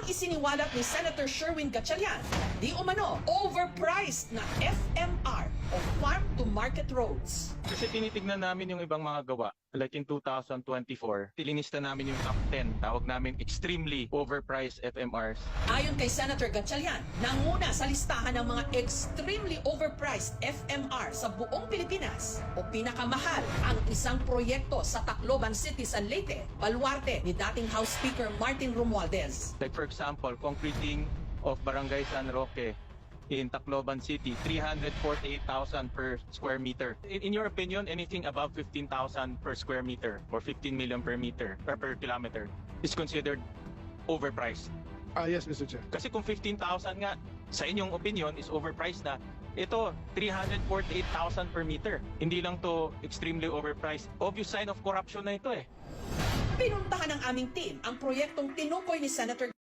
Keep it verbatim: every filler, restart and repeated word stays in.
isiniwalat ni Senator Sherwin Gatchalian, di umano overpriced na F M R o Farm to Market Roads. Kasi tinitignan namin yung ibang mga gawa. Like in two thousand twenty-four, tilinista namin yung top ten. Tawag namin extremely overpriced F M Rs. Ayon kay Senator Gatchalian, nanguna sa listahan ng mga extremely overpriced F M R sa buong Pilipinas o pinakamahal ang isang proyekto sa Tacloban City, San Leyte, baluarte ni dating House Speaker Martin Romualdez. Like for example, concreting of Barangay San Roque in Tacloban City, three hundred forty-eight thousand per square meter. In, in your opinion, anything above fifteen thousand per square meter or fifteen million per meter or per kilometer is considered overpriced. Ah, yes, Mister Chair. Kasi kung fifteen thousand nga, sa inyong opinion, is overpriced na, ito, three hundred forty-eight thousand per meter. Hindi lang to extremely overpriced. Obvious sign of corruption na ito eh. Pinuntahan ng aming team ang proyektong tinukoy ni Senator